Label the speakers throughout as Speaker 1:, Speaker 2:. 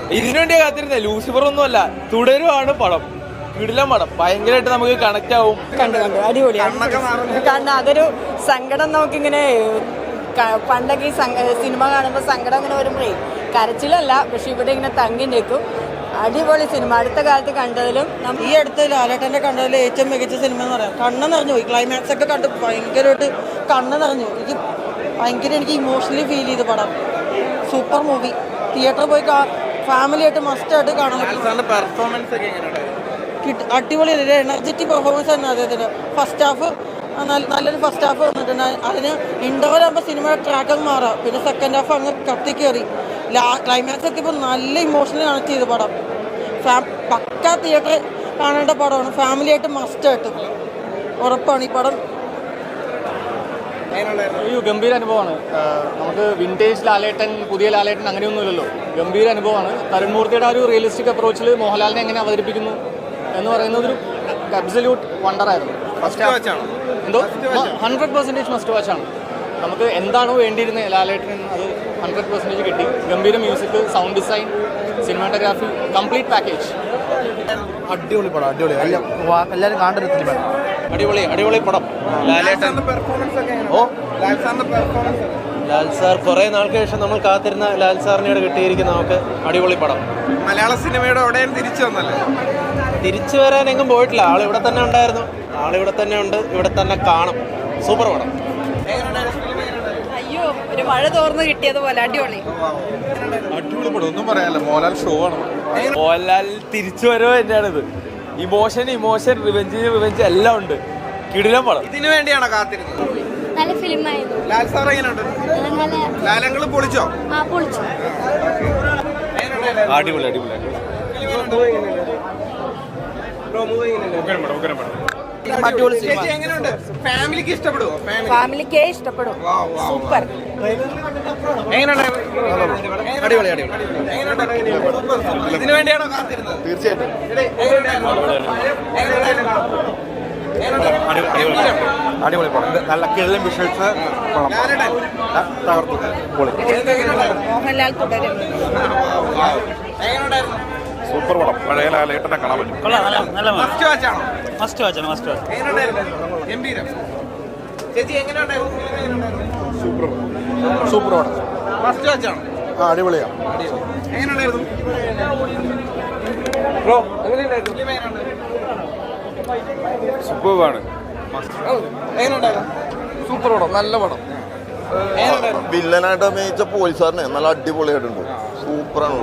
Speaker 1: ഇതിനുവേണ്ടിയാ കാത്തിരുന്നേ. Lucifer ഒന്നുമല്ല, തുടരുവാണ് പടം. കിടിലം പടം, ഭയങ്കരമായിട്ട് നമുക്ക് കണക്ട് ആവും.
Speaker 2: കണ്ടു അടിപൊളിയാണ്. കാരണം അതൊരു സങ്കടം നമുക്കിങ്ങനെ പണ്ടൊക്കെ ഈ സിനിമ കാണുമ്പോൾ സങ്കടം ഇങ്ങനെ വരുമ്പോഴേ കരച്ചിലല്ല, പക്ഷെ ഇവിടെ ഇങ്ങനെ തങ്ങി നിൽക്കും. അടിപൊളി സിനിമ. അടുത്ത കാലത്ത് കണ്ടതിലും
Speaker 3: ഈ അടുത്ത് ലാലേട്ടൻ്റെ കണ്ടതിൽ ഏറ്റവും മികച്ച സിനിമ എന്ന് പറയാം. കണ്ണ് നിറഞ്ഞു പോയി. ക്ലൈമാക്സ് ഒക്കെ കണ്ട് ഭയങ്കരമായിട്ട് കണ്ണ് നിറഞ്ഞു. എനിക്ക് ഇമോഷണലി ഫീൽ ചെയ്തു പടം. Super movie. തിയേറ്ററിൽ പോയി ഫാമിലിയായിട്ട് മസ്റ്റായിട്ട് കാണാൻ പറ്റും. അടിപൊളി ഒരു എനർജറ്റിക് പെർഫോമൻസ് ആയിരുന്നു അദ്ദേഹത്തിന്. ഫസ്റ്റ് ഹാഫ് നല്ലൊരു ഫസ്റ്റ് ഹാഫ് വന്നിട്ടുണ്ട്. അതിന് ഇൻ്റർവൽ ആകുമ്പോൾ സിനിമയുടെ ട്രാക്കൊക്കെ മാറാം. പിന്നെ സെക്കൻഡ് ഹാഫ് അങ്ങ് കത്തിക്കയറി. ക്ലൈമാക്സ് എത്തിയപ്പോൾ നല്ല ഇമോഷണലി കണക്ട് ചെയ്ത പടം. പക്കാ തിയേറ്ററിൽ കാണേണ്ട പടമാണ്. ഫാമിലിയായിട്ട് മസ്റ്റായിട്ട് ഉറപ്പാണ് ഈ പടം.
Speaker 4: ഒരു ഗംഭീര അനുഭവമാണ്. നമുക്ക് വിൻറ്റേജ് ലാലേട്ടൻ, പുതിയ ലാലേട്ടൻ അങ്ങനെയൊന്നുമില്ലല്ലോ. ഗംഭീര അനുഭവമാണ്. തരുൺ മൂർത്തിയുടെ ആ ഒരു റിയലിസ്റ്റിക് അപ്രോച്ചിൽ മോഹൻലാലിനെ എങ്ങനെ അവതരിപ്പിക്കുന്നു എന്ന് പറയുന്നത് ഒരു അബ്സല്യൂട്ട് വണ്ടറായിരുന്നു. എന്തോ 100% മസ്റ്റ് വാച്ചാണ്. നമുക്ക് എന്താണോ വേണ്ടിയിരുന്നത് ലാലേട്ടൻ, അത് 100% കിട്ടി. ഗംഭീര music, sound design, cinematography, complete package.
Speaker 5: അടിപൊളി പടം, അടിപൊളി. എല്ലാവരും കാണേണ്ട ഒരു സിനിമ.
Speaker 1: അടിപൊളി പടം. ലാലേട്ടൻ ലാൽ സാർ കുറെ നാൾക്ക് ശേഷം നമ്മൾ കാത്തിരുന്ന ലാൽ സാറിനോട് കിട്ടിയിരിക്കുന്ന നമുക്ക് അടിപൊളി പടം.
Speaker 6: മലയാള സിനിമയുടെ എവിടെയും തിരിച്ചു വന്നല്ലേ?
Speaker 1: തിരിച്ചു വരാൻ എങ്ങും പോയിട്ടില്ല. ആളിവിടെ തന്നെ ഉണ്ടായിരുന്നു, ആളിവിടെ തന്നെ ഉണ്ട്, ഇവിടെ തന്നെ കാണും. സൂപ്പർ പടം.
Speaker 2: അയ്യോ, ഒരു മഴ തോർന്ന് കിട്ടിയതുപോലെ അടിപൊളി
Speaker 6: പടം. ഒന്നും പറയാനല്ല, മോഹൻലാൽ ഷോ ആണ്.
Speaker 1: മോഹൻലാൽ തിരിച്ചു വരവ് തന്നെയാണിത്. ഇമോഷൻ, റിവെഞ്ച് എല്ലാം ഉണ്ട്. കിടിലം പടം.
Speaker 6: ഇതിനു വേണ്ടിയാണോ കാത്തിരുന്നത്?
Speaker 7: നല്ല ഫിലിമായിരുന്നു.
Speaker 6: ലാൽ സാർ എങ്ങനെയുണ്ട്? ലാലങ്ങൾ പൊളിച്ചോ?
Speaker 1: അടിപൊളി.
Speaker 6: എങ്ങനെയുണ്ട്? ഫാമിലിക്ക് ഇഷ്ടപ്പെടുവോ?
Speaker 2: ഫാമിലിക്കേ ഇഷ്ടപ്പെടും. സൂപ്പർ.
Speaker 1: അടിപൊളി.
Speaker 6: ഇതിനു വേണ്ടിയാണോ കാത്തിരുന്നത്?
Speaker 5: തീർച്ചയായിട്ടും.
Speaker 1: അടിപൊളി പടം. നല്ല കിടിലൻ വിഷ്വൽസ്. തകർത്തു.
Speaker 2: മോഹൻലാൽ തുടരും.
Speaker 5: സൂപ്പർ പടം. പഴയ ലാലേട്ടനെ കാണാൻ പറ്റും.
Speaker 6: മസ്റ്റ് വാച്ചാണ്.
Speaker 5: സൂപ്പർ പടം.
Speaker 6: മസ്റ്റ് വാച്ചാണ്.
Speaker 5: അടിപൊളിയാണ്.
Speaker 6: എങ്ങനെയുണ്ടായിരുന്നു?
Speaker 5: സൂപ്പറാണ്.
Speaker 6: സൂപ്പർ പടം, നല്ല പടം.
Speaker 8: വില്ലനായിട്ട് അഭിനയിച്ച പോലീസുകാരനെ നല്ല അടിപൊളിയായിട്ടുണ്ട്. സൂപ്പറാണ്.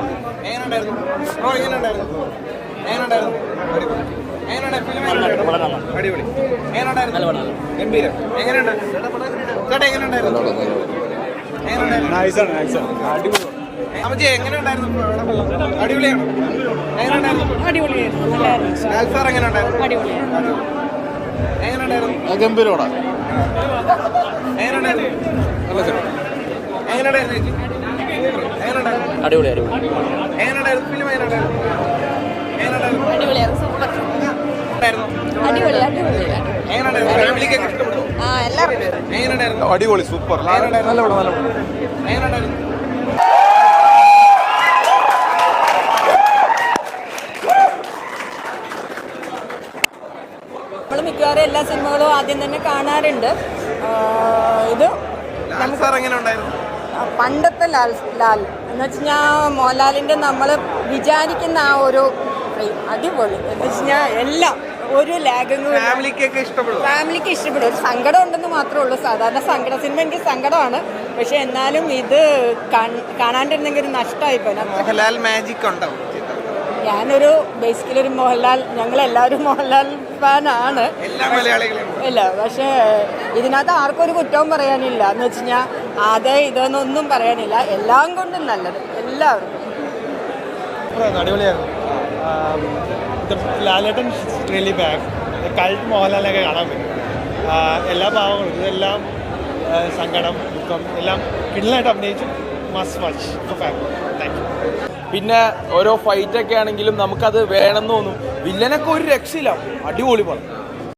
Speaker 5: ഗംഭീര പടം.
Speaker 1: അടിപൊളി.
Speaker 5: അടിപൊളി. സൂപ്പർ. നല്ല പടം.
Speaker 2: നമ്മൾ മിക്കവാറും എല്ലാ സിനിമകളും ആദ്യം തന്നെ കാണാറുണ്ട്. ഇത് പണ്ടത്തെ ലാൽ എന്ന് വെച്ച് കഴിഞ്ഞാൽ മോഹൻലാലിൻ്റെ നമ്മൾ വിചാരിക്കുന്ന ആ ഒരു അടിപൊളി എന്ന് വെച്ച് കഴിഞ്ഞാൽ എല്ലാം ഒരു ലാഗങ്ങും.
Speaker 6: ഫാമിലിക്ക്
Speaker 2: ഇഷ്ടപ്പെടും. ഒരു സങ്കടം ഉണ്ടെന്ന് മാത്രമേ ഉള്ളൂ. സാധാരണ സങ്കട സിനിമ എനിക്ക് സങ്കടമാണ്, പക്ഷെ എന്നാലും ഇത് കാണാണ്ടിരുന്നെങ്കിൽ ഒരു നഷ്ടമായിപ്പോയി.
Speaker 6: മോഹൻലാൽ മാജിക് ഉണ്ടാവും.
Speaker 2: ഞാനൊരു ബേസിക്കലി ഒരു ഞങ്ങളെല്ലാവരും മോഹൻലാൽ ഫാനാണ്. ഇല്ല, പക്ഷേ ഇതിനകത്ത് ആർക്കും ഒരു കുറ്റവും പറയാനില്ല. എന്ന് വെച്ച് കഴിഞ്ഞാൽ ഇതെന്നൊന്നും പറയാനില്ല. എല്ലാം കൊണ്ടും നല്ലത് എല്ലാവർക്കും.
Speaker 9: അടിപൊളിയായിരുന്നു. Lalettan really back. കൾട്ട് മോഹൻലാലിനൊക്കെ കാണാൻ പറ്റും. എല്ലാ ഭാവങ്ങളും ഇതെല്ലാം സങ്കടം, ദുഃഖം എല്ലാം കിടിലായിട്ട് അഭിനയിച്ചു. Must watch for family. Thank you.
Speaker 1: പിന്നെ ഓരോ ഫൈറ്റൊക്കെ ആണെങ്കിലും നമുക്കത് വേണമെന്ന് തോന്നും. വില്ലനൊക്കെ ഒരു രക്ഷയില്ല. അടിപൊളി പടം.